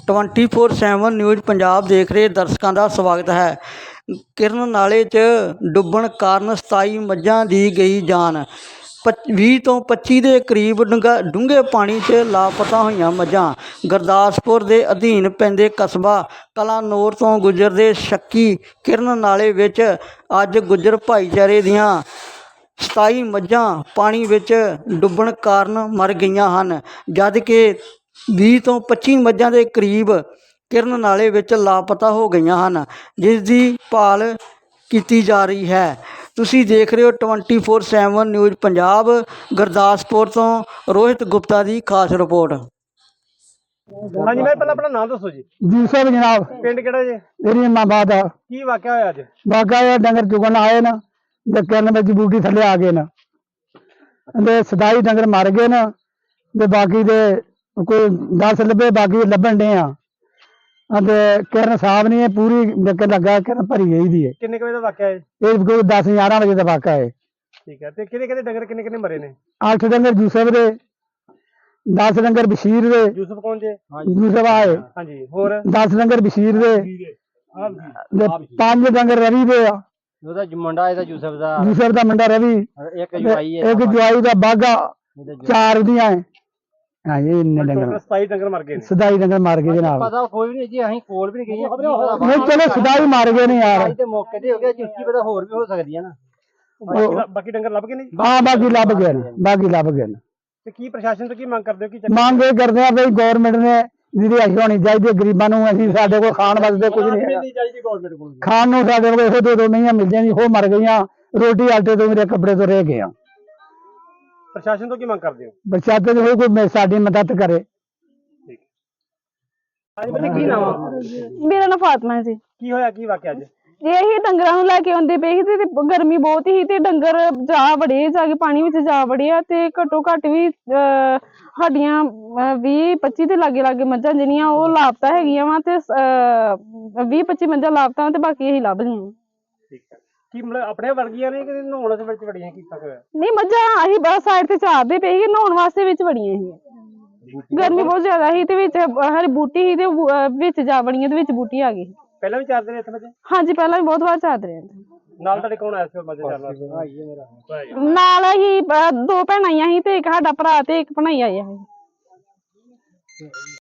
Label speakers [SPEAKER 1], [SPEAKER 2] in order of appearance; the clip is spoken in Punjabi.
[SPEAKER 1] 24/7 ਨਿਊਜ਼ ਪੰਜਾਬ ਦੇਖ ਰਹੇ ਦਰਸ਼ਕਾਂ ਦਾ ਸਵਾਗਤ ਹੈ। ਕਿਰਨ ਨਾਲੇ 'ਚ ਡੁੱਬਣ ਕਾਰਨ 27 ਮੱਝਾਂ ਦੀ ਗਈ ਜਾਨ। 20 ਤੋਂ 25 ਦੇ ਕਰੀਬ ਡੂੰਘੇ ਪਾਣੀ 'ਚ ਲਾਪਤਾ ਹੋਈਆਂ ਮੱਝਾਂ। ਗੁਰਦਾਸਪੁਰ ਦੇ ਅਧੀਨ ਪੈਂਦੇ ਕਸਬਾ ਕਲਾਨੌਰ ਤੋਂ ਗੁਜ਼ਰਦੇ ਸ਼ੱਕੀ ਕਿਰਨ ਨਾਲੇ ਵਿੱਚ ਅੱਜ ਗੁੱਜਰ ਭਾਈਚਾਰੇ ਦੀਆਂ 27 ਮੱਝਾਂ ਪਾਣੀ ਵਿੱਚ ਡੁੱਬਣ ਕਾਰਨ ਮਰ ਗਈਆਂ ਹਨ, ਜਦ ਕਿ 20 ਤੋਂ 25 ਮੱਝਾਂ ਦੇ ਕਰੀਬ ਕਿਰਨ ਨਾਲੇ ਵਿੱਚ ਲਾਪਤਾ ਹੋ ਗਈਆਂ ਹਨ, ਜਿਸ ਦੀ ਭਾਲ ਕੀਤੀ ਜਾ ਰਹੀ ਹੈ। ਤੁਸੀਂ ਦੇਖ ਰਹੇ ਹੋ 24/7 ਨਿਊਜ਼ ਪੰਜਾਬ। ਗੁਰਦਾਸਪੁਰ ਤੋਂ ਰੋਹਿਤ ਗੁਪਤਾ ਦੀ ਖਾਸ ਰਿਪੋर्ट।
[SPEAKER 2] हाँ जी, मैं पहले अपना नाम दसो जी।
[SPEAKER 3] जी साहब जनाब,
[SPEAKER 2] पिंड केड़ा जी?
[SPEAKER 3] मेरी इमाबाद है।
[SPEAKER 2] की वाकया होया अज?
[SPEAKER 3] बाका डंगर चुगन आए ना, ते किरण विच बूटी थले आ गए ना, ते 27 डंगर मर गए ना, ते बाकी दे कोई 10 लब्भे, बाकी लभन डे आ। ते किरण साहब ने पूरी डंगर लगा किरण भरी गई दी है।
[SPEAKER 2] किन्ने बजे दा वाकया है?
[SPEAKER 3] ये कोई 10-11 बजे का वाका है।
[SPEAKER 2] ठीक है, ते किहदे डंगर किन्ने मरे ने?
[SPEAKER 3] 8 डंगर यूसुफ दे, 10 डंगर बशीर दे।
[SPEAKER 2] यूसुफ कौन जे?
[SPEAKER 3] यूसुफ आए।
[SPEAKER 2] हां जी, होर
[SPEAKER 3] 10 डंगर बशीर दे, ते 5 डंगर रवि दे आ।
[SPEAKER 4] ਉਹਦਾ ਮੁੰਡਾ ਇਹਦਾ ਯੂਸਫ ਦਾ
[SPEAKER 3] मुंडा रवि,
[SPEAKER 4] ਇੱਕ ਜਵਾਈ ਹੈ,
[SPEAKER 3] एक जवाई दा बागा, 4 दियां है। हाँ ये इन्ने डंगर
[SPEAKER 2] 27 डंगर मर गए ने।
[SPEAKER 3] 27 डंगर मार गए जनाब।
[SPEAKER 4] ਪਤਾ ਕੋਈ ਵੀ ਨਹੀਂ ਜੀ, ਅਸੀਂ ਕੋਲ ਵੀ ਨਹੀਂ ਗਏ।
[SPEAKER 3] नहीं चलो 27 मार गए ने यार।
[SPEAKER 4] ਤੇ ਮੌਕੇ ਤੇ ਹੋ ਗਿਆ ਜੀ, ਉੱਚੀ ਪਤਾ ਹੋਰ ਵੀ ਹੋ ਸਕਦੀ ਹੈ ਨਾ।
[SPEAKER 2] बाकी डंगर लभ गए ने?
[SPEAKER 3] हाँ बाकी लभ गए ने, बाकी लभ गए ने।
[SPEAKER 2] ते की प्रशासन तो की मांग करदे हो? की
[SPEAKER 3] मांग ये करते हैं भाई गवर्नमेंट ने रिहाइश होनी चाहिए गरीबां नूं। असीं साडे कोल खाण वास्ते कुछ नहीं है,
[SPEAKER 2] नहीं चाहिए गवर्नमेंट को।
[SPEAKER 3] खाण नूं साडे कोल इहो 2 महीने मिल जांदी, हो मर गईयां। रोटी आटे तो मेरे कपड़े तो रह गए।
[SPEAKER 2] प्रशासन तो की मांग करदे हो?
[SPEAKER 3] बचाते हो कोई साडी मदद करे।
[SPEAKER 2] आज बने की नाम?
[SPEAKER 5] मेरा नाम फातिमा है जी।
[SPEAKER 2] की होया की वाकया अज?
[SPEAKER 5] ਇਹੀ ਡੰਗਰਾਂ ਨੂੰ ਲੈ ਕੇ ਆਉਂਦੇ ਪਏ ਸੀ ਤੇ ਗਰਮੀ ਬਹੁਤ ਸੀ ਤੇ ਡੰਗਰ ਜਾ ਕੇ ਪਾਣੀ ਵਿੱਚ ਜਾ ਵੜੇ ਆ ਤੇ ਘੱਟੋ ਘੱਟ ਵੀ ਸਾਡੀਆਂ 20-25 ਦੇ ਲਾਗੇ ਮੱਝਾਂ ਜਿਹੜੀਆਂ ਉਹ ਲਾਪਤਾ ਹੈਗੀਆਂ ਵਾ ਤੇ 20-25 ਮੱਝਾਂ ਲਾਪਤਾ ਤੇ ਬਾਕੀ ਇਹੀ ਲੱਭ ਲਈਆਂ।
[SPEAKER 2] ठीक है, की मतलब अपने वर्गियां ने कि नहाउण दे विच वड़ीਆਂ ਕੀਤਾ ਹੋਇਆ?
[SPEAKER 5] ਨਹੀਂ ਮੱਝਾਂ ਅਸੀਂ ਬਸ ਸਾਈਡ ਤੇ ਚਾਰਦੇ ਪਏ ਸੀ, ਨਹਾਉਣ ਵਾਸਤੇ ਵਿੱਚ ਵੜੀਆਂ ਸੀ। ਗਰਮੀ ਬਹੁਤ ਜ਼ਿਆਦਾ ਸੀ ਤੇ ਵਿੱਚ ਹਰੀ ਬੂਟੀ ਸੀ ਤੇ ਵਿੱਚ ਜਾ ਵੜੀਆਂ ਤੇ ਵਿੱਚ ਬੂਟੀ ਆ ਗਈ।
[SPEAKER 2] ਪਹਿਲਾਂ ਵੀ ਚਾਰਦੇ ਨੇ ਇੱਥੇ ਮੱਝਾਂ?
[SPEAKER 5] ਹਾਂਜੀ ਪਹਿਲਾਂ ਵੀ ਬਹੁਤ ਵਾਰ ਚਾਰਦੇ ਰਹੇ।
[SPEAKER 2] ਨਾਲ ਤੁਹਾਡੇ ਕੌਣ ਆਇਆ ਸੀ ਮੱਝਾਂ ਚਾਰਨ ਵਾਸਤੇ?
[SPEAKER 5] ਨਾਲ ਅਸੀਂ 2 ਭੈਣਾਂ ਆਈਆਂ ਸੀ ਤੇ ਇੱਕ ਸਾਡਾ ਭਰਾ ਤੇ ਇੱਕ ਭਣਾਈ ਆਇਆ ਸੀ।